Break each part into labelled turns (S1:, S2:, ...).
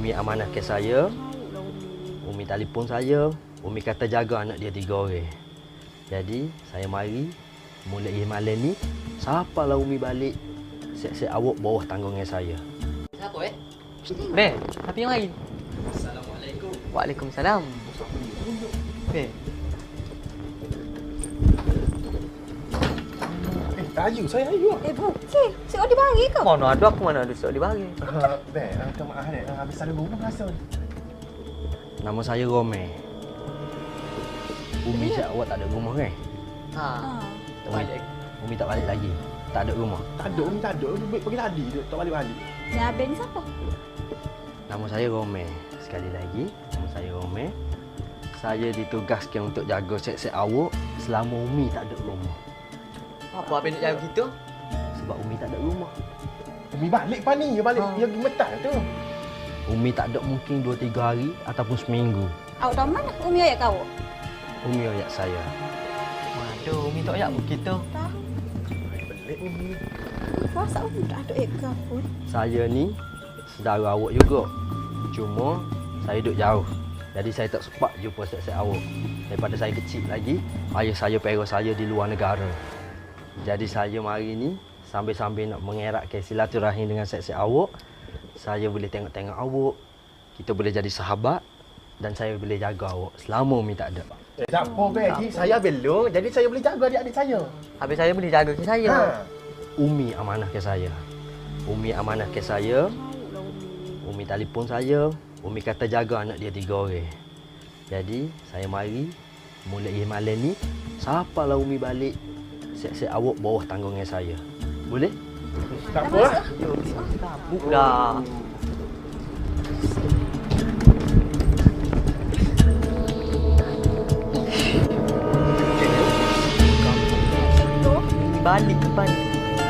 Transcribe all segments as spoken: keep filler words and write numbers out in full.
S1: Umi amanah ke saya. Umi telefon saya. Umi kata jaga anak dia tiga orang. Jadi, saya mari mulai malam ni, siapalah Umi balik, siap-siap awak bawah tanggungan saya.
S2: Siapa eh? Beh, tapi yang lain.
S1: Assalamualaikum.
S2: Waalaikumsalam. Beh.
S3: Eh, Ayu, saya Ayu.
S4: Eh, bukan. Seorang dibagi ke?
S2: Mana ada aku, mana ada sok dibagi.
S3: Uh, Beh, uh, minta maaf ni. Uh, habis ada rumah rasa.
S1: Nama saya Romel. Umi cakap awak tak ada rumah kan?
S2: Ha.
S4: Ha.
S1: Umi, Umi tak balik lagi? Tak ada rumah?
S3: Tak ada, Umi tak ada. Umi pergi tadi je, tak balik-balik.
S4: Ni Abang ni siapa?
S1: Nama saya Romel. Sekali lagi, nama saya Romel. Saya ditugaskan untuk jaga set-set awak selama Umi tak ada rumah.
S2: Apa abang nak jaga kita?
S1: Sebab Umi tak ada rumah.
S3: Umi balik pa ni, balik
S2: Ha.
S3: yang gemetar tu.
S1: Umi tak ada mungkin dua tiga hari ataupun seminggu.
S4: Awak tahu mana? Umi ayat kau?
S1: Umi ayat saya.
S2: Waduh, Umi tak ayat pun kita.
S4: Tak.
S3: Pelik Umi.
S4: Puasa Umi tak ada ayat kau pun.
S1: Saya ni saudara awak juga. Cuma saya duduk jauh. Jadi saya tak sempat jumpa set-set awak. Daripada saya kecil lagi, ayah saya parents saya di luar negara. Jadi saya mari ni sambil-sambil nak mengeratkan silaturahim dengan set-set awak. Saya boleh tengok-tengok awak. Kita boleh jadi sahabat dan saya boleh jaga awak selama Umi tak ada.
S3: Eh, tak apa, Beh. Haji. Saya belum. Jadi saya boleh jaga adik-adik saya.
S2: Habis saya boleh jaga ke saya.
S3: Ha.
S1: Umi amanah ke saya. Umi amanah ke saya. Umi telefon saya. Umi kata jaga anak dia tiga orang. Jadi, saya mari mulai malam ni, siapalah Umi balik, siap-siap awak bawah tanggungan saya. Boleh?
S3: Tak apa lah.
S2: Tabuk dah. Balik ke balik.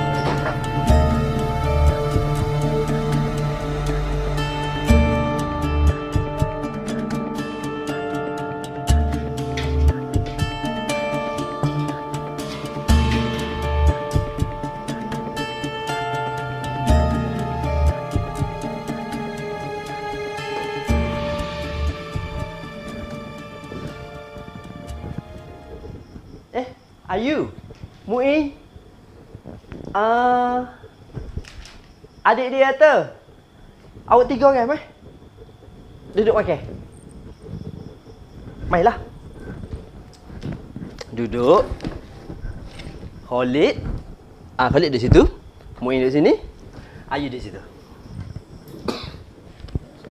S1: Eh, Ayu, Muin. Ah, adik dia kata, awak tiga orang meh? Duduk makan. Mainlah. Duduk. Khalid. Ah, Khalid di situ. Muin di sini. Ayu di situ.